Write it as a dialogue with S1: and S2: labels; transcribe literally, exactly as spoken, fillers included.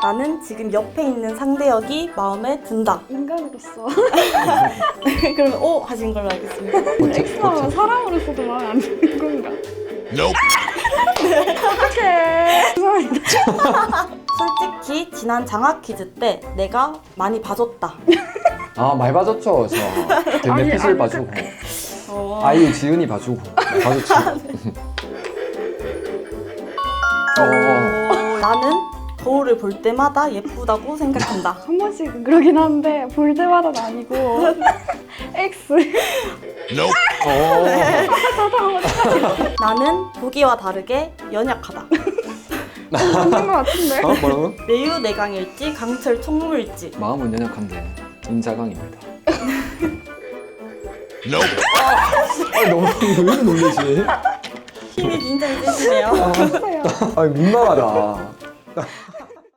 S1: 나는 지금 옆에 있는 상대역이 마음에 든다.
S2: 인간으로서
S1: 그러면 O 하신 걸로 알겠습니다.
S2: X하면 사람으로서도 마음에 안 드는 건가? 어떡해. 죄송합니다.
S1: 솔직히 지난 장학 퀴즈 때 내가 많이 봐줬다.
S3: 아 많이 봐줬죠 저.
S2: 아니,
S3: 덴넷핏을
S2: 아니,
S3: 봐주고
S1: 어...
S3: 아이유 지은이 봐주고 봐줬지. 어.
S1: 어, 나는 거울을 볼 때마다 예쁘다고 생각한다.
S2: 한 번씩은 그러긴 한데 볼 때마다는 아니고 X.
S3: 어.
S1: 나는 보기와 다르게 연약하다.
S2: 맞는 것 같은데.
S3: 어 뭐라고?
S1: 매우 내강일지 강철 총무일지.
S3: 마음은 연약한데 인자강입니다. 아 너무 왜 이렇게 놀리지?
S1: 힘이 굉장히 세시네요.
S2: 해주세요.
S3: 아 민망하다.